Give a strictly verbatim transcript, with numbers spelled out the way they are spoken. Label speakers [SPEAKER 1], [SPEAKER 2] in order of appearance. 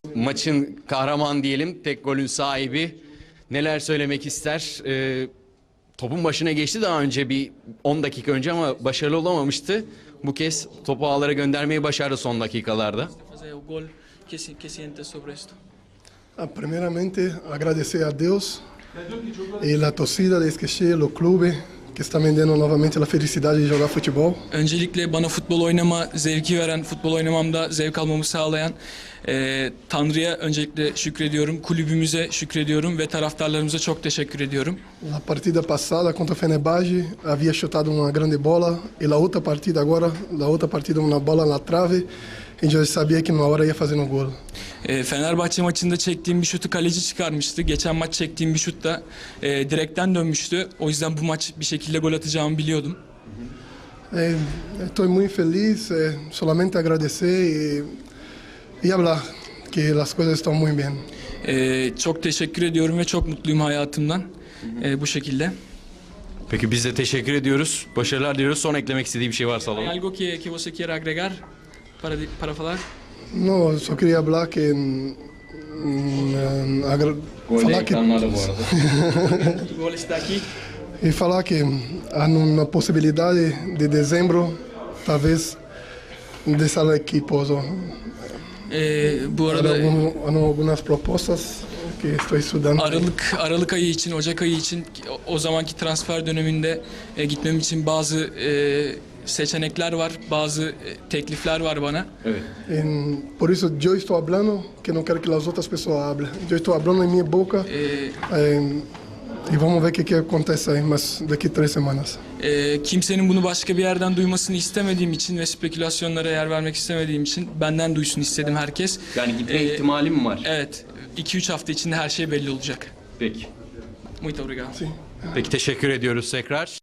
[SPEAKER 1] Maçın kahraman diyelim, tek golün sahibi. Neler söylemek ister? Ee, topun başına geçti daha önce, bir on dakika önce, ama başarılı olamamıştı. Bu kez topu ağlara göndermeyi başardı son dakikalarda.
[SPEAKER 2] Ah, primeiramente, agradecer a Deus e a torcida de Eskişehir, o clube que está me dando novamente a felicidade de jogar futebol.
[SPEAKER 3] Öncelikle bana futbol oynama zevki veren, futbol oynamamda zevk almamı sağlayan e, Tanrı'ya öncelikle şükrediyorum, kulübümüze şükrediyorum ve taraftarlarımıza çok teşekkür ediyorum.
[SPEAKER 2] Na partida passada contra o Fenerbahçe havia chutado uma grande bola e a outra partida agora, a outra partida uma bola na trave e já sabia que numa hora ia fazer um gol.
[SPEAKER 3] E, Fenerbahçe maçında çektiğim bir şutu kaleci çıkarmıştı. Geçen maç çektiğim bir şut da e, direkten dönmüştü. O yüzden bu maç bir şekilde gol atacağımı biliyordum.
[SPEAKER 2] Estou muito feliz, eh, solamente agradecer e, e hablar que as coisas estão muito bem.
[SPEAKER 3] E, çok teşekkür ediyorum ve çok mutluyum hayatımdan e, bu şekilde.
[SPEAKER 1] Peki biz de teşekkür ediyoruz. Başarılar diliyoruz. Son eklemek istediği bir şey varsa alalım.
[SPEAKER 3] Algo que, que você quiera agregar para, para falar?
[SPEAKER 2] No, só queria hablar que mm, agra- falar que
[SPEAKER 1] bu arada.
[SPEAKER 3] O gol está aqui.
[SPEAKER 2] e falar que há uma possibilidade de dezembro talvez dessa equipe. Also,
[SPEAKER 3] E, bu
[SPEAKER 2] há
[SPEAKER 3] arada
[SPEAKER 2] algum- há algumas propostas que estou estudando.
[SPEAKER 3] Aralık Aralık ayı için, Ocak ayı için o, o zamanki transfer döneminde e, gitmem için bazı e, seçenekler var, bazı e, teklifler var bana.
[SPEAKER 1] Evet.
[SPEAKER 2] E, por isso eu estou hablando que não quero que as outras pessoas hablem. Eu estou hablando em minha boca
[SPEAKER 3] E,
[SPEAKER 2] eh, e vamos ver o que, que acontece aí, mas daqui três semanas.
[SPEAKER 3] e, kimsenin bunu başka bir yerden duymasını istemediğim için ve spekülasyonlara yer vermek istemediğim için benden duysun istedim herkes.
[SPEAKER 1] Yani gitme
[SPEAKER 3] Ee,
[SPEAKER 1] ihtimali mi var?
[SPEAKER 3] Evet, iki üç hafta içinde her şey belli olacak.
[SPEAKER 1] Peki.
[SPEAKER 3] Muito obrigado.
[SPEAKER 2] Sim.
[SPEAKER 1] Peki teşekkür ediyoruz tekrar.